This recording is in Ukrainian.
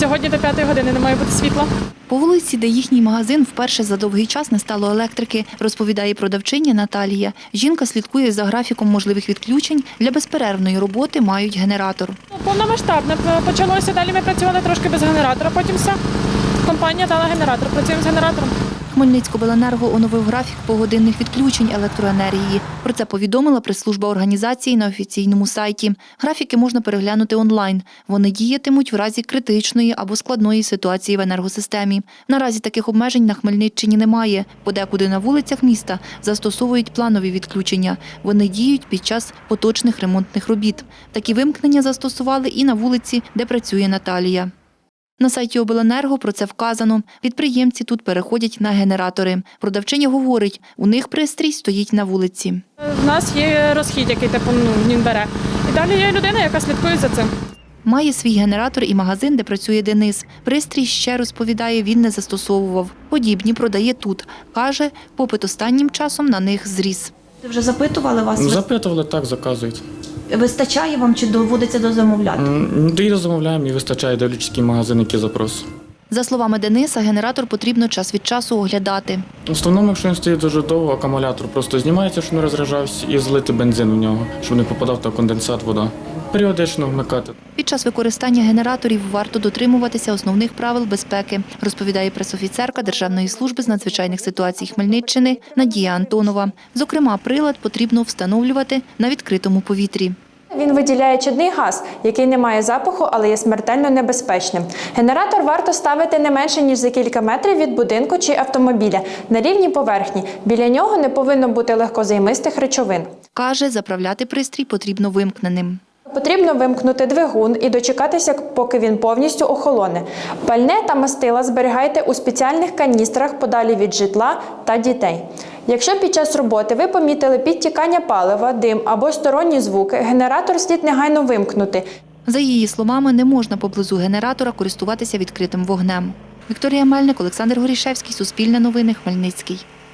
Сьогодні до 5 години не має бути світла. По вулиці, де їхній магазин, вперше за довгий час не стало електрики, розповідає продавчиня Наталія. Жінка слідкує за графіком можливих відключень. Для безперервної роботи мають генератор. Повномасштабне почалося, далі ми працювали трошки без генератора, потім все. Компанія дала генератор, працюємо з генератором. Хмельницькобленерго оновив графік погодинних відключень електроенергії. Про це повідомила прес-служба організації на офіційному сайті. Графіки можна переглянути онлайн. Вони діятимуть в разі критичної або складної ситуації в енергосистемі. Наразі таких обмежень на Хмельниччині немає. Подекуди на вулицях міста застосовують планові відключення. Вони діють під час поточних ремонтних робіт. Такі вимкнення застосували і на вулиці, де працює Наталія. На сайті обленерго про це вказано. Підприємці тут переходять на генератори. Продавчиня говорить, у них пристрій стоїть на вулиці. У нас є розхід, який він бере. І далі є людина, яка слідкує за цим. Має свій генератор і магазин, де працює Денис. Пристрій, ще розповідає, він не застосовував. Подібні продає тут. Каже, попит останнім часом на них зріс. Ти вже запитували вас? Запитували, так, заказують. Вистачає вам чи доводиться дозамовляти? І замовляємо, і вистачає, дивлячись, який магазин, який запрос. За словами Дениса, генератор потрібно час від часу оглядати. В основному, якщо він стоїть дуже довго, акумулятор просто знімається, щоб не розряджався, і злити бензин в нього, щоб не попадав та конденсат, вода. Періодично вмикати. Під час використання генераторів варто дотримуватися основних правил безпеки, розповідає пресофіцерка Державної служби з надзвичайних ситуацій Хмельниччини Надія Антонова. Зокрема, прилад потрібно встановлювати на відкритому повітрі. Він виділяє чадний газ, який не має запаху, але є смертельно небезпечним. Генератор варто ставити не менше, ніж за кілька метрів від будинку чи автомобіля, на рівній поверхні. Біля нього не повинно бути легкозаймистих речовин. Каже, заправляти пристрій потрібно вимкненим. Потрібно вимкнути двигун і дочекатися, поки він повністю охолоне. Пальне та мастила зберігайте у спеціальних каністрах подалі від житла та дітей. Якщо під час роботи ви помітили підтікання палива, дим або сторонні звуки, генератор слід негайно вимкнути. За її словами, не можна поблизу генератора користуватися відкритим вогнем. Вікторія Мельник, Олександр Горішевський, Суспільне новини, Хмельницький.